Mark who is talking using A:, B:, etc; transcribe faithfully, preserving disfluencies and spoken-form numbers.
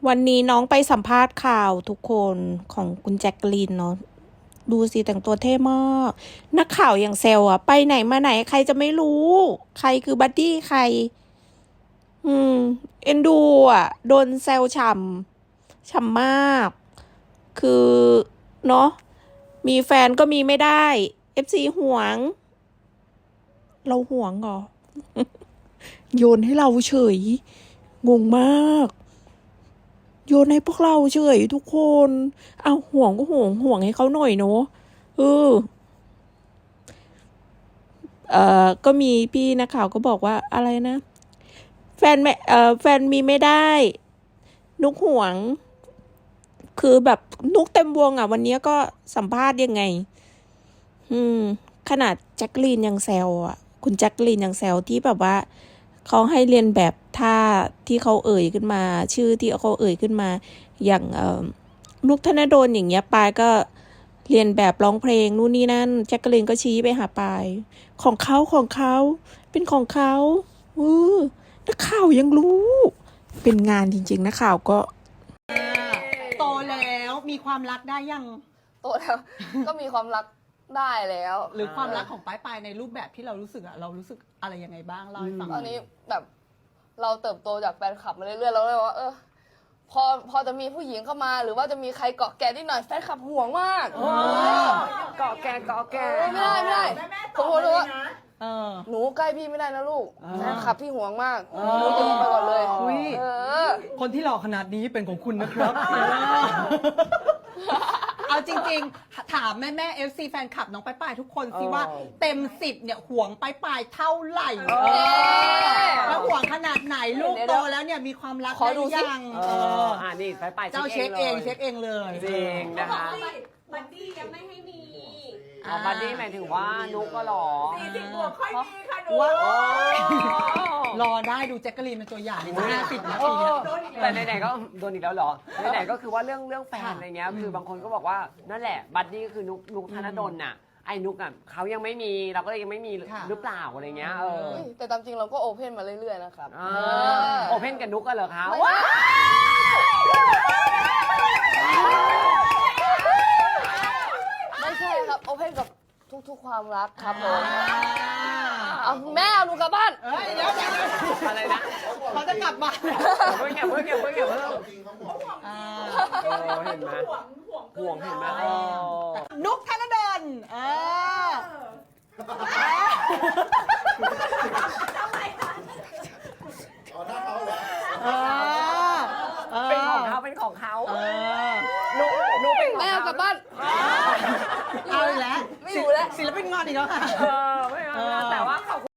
A: วันนี้น้องไปสัมภาษณ์ข่าวทุกคนของคุณแจ็คกลีนเนาะดูสิแต่งตัวเท่มากนักข่าวอย่างเซลอะไปไหนมาไหนใครจะไม่รู้ ใครคือบัดดี้ใคร อืม เอ็นดูอะโดนเซลฉ่ำฉ่ำมาก คือเนาะมีแฟนก็มีไม่ได้ เอฟ ซี หวง เราหวงเหรอ โยนให้เราเฉย งงมากโยนให้พวกเราเฉยทุกคนเอาห่วงก็ห่วงห่วงให้เขาหน่อยเนาะเออเอ่อก็มีพี่นักข่าวก็บอกว่าอะไรนะแฟนไม่เอ่อแฟนมีไม่ได้นุกห่วงคือแบบนุกเต็มวงอ่ะวันนี้ก็สัมภาษณ์ยังไงอืมขนาดแจ็คลีนยังแซวอ่ะคุณแจ็คลีนยังแซวที่แบบว่าเขาให้เรียนแบบท่าที่เขาเอ่ยขึ้นมาชื่อที่เขาเอ่ยขึ้นมาอย่างเอ่อนุกธนดลอย่างเงี้ยปายก็เรียนแบบร้องเพลงนู่นนี่นั่นแจ็คลีนก็ชี้ไปหาปายของเขาของเขาเป็นของเขาเออนักข่าวยังรู้เป็นงานจริงๆนักข่าวก็
B: โตแล้วมีความรักได้ยัง
C: โตแล้ว ก็มีความรักได้แล้ว
B: หรือความรักของป้ายปายในรูปแบบที่เรารู้สึกอะเรารู้สึกอะไรยังไงบ้างเล่าให้ฟัง
C: ตอนนี้แบบเราเติบโตจากแฟนคลับมาเรื่อยๆเราเลยว่าเออพอพอจะมีผู้หญิงเข้ามา หรือว่าจะมีใครเกาะแกนิดหน่อยแฟนคลับห่วงมากเกาะแกเกาะแกไม่ได้ไม่ได้ผมพูดเลยว่าหนูใกล้พี่ไม่ได้นะลูกแฟนคลับพี่ห่วงมากหนูจะไปก่อนเลยเออ
D: คนที่หล่อขนาดนี้เป็นของคุณนะครับ
B: เอาจริงๆถามแม่แม่เอฟซีแฟนคลับน้องป้ายปายทุกคนสิว่าเต็มสิบเนี่ยห่วงป้ายปายเท่าไหร่แล้วห่วงขนาดไหนลูกโตแล้วเนี่ยมีความรักได้ยัง
D: เอออ่านี่ไปไป
B: เจ้าเช็คเองเช็คเองเลย
D: จริงนะคะ
E: บัดดี้ยังไม่ให้มี
D: อ๋อบัดดี้หมายถึงว่านุกก็หรอ
E: สี่สิบบวกค่อยมีค่ะหนู
B: ว้ารอได้ดูแจ็คกะลีนเป็นตัวอย่างห้าสิบนาทีเนี่ย
D: แต่ไหนๆก็โดนอีกแล้วเหรอไหนๆก็คือว่าเรื่องเรื่องแฟนอะไรเงี้ยคือบางคนก็บอกว่านั่นแหละบัดดี้ก็คือนุกนุกธนดลน่ะไอ้นุกอ่ะเขายังไม่มีเราก็เลยยังไม่มีหรือเปล่าอะไรเงี้ยเออ
C: แต่ตามจริงเราก็โอเพนมาเรื่อยๆนะครับ
D: โอเพนกับนุกกันเหรอคะ
C: ไม่ใช่ครับโอเพนกับทุกๆความรักครับผมเอาแม่เอาหนูกลับบ้าน
B: เฮ้ยเดี๋ยวเดี๋ยว
D: อะไรนะ
B: เขาจะกลับบ้าน
D: เพิ่งเก็บเพิ่งเก็บเพิ่งเก็บเพิ่ง
B: อ่า
D: เห็นไหมห่วงเห็นไหม
B: นุกธนดลเออ
D: เป็นของเขาเป็นของเขา
B: เออ
D: นุกนุกเป็นของ
C: แม่เอากลับบ้าน
B: เอาอีกแล้ว
C: ไม่อยู่แล้ว
B: ศิลปินงอนอีกแล้วค่ะ
D: เออไม่เอาแต่ว่าขอบ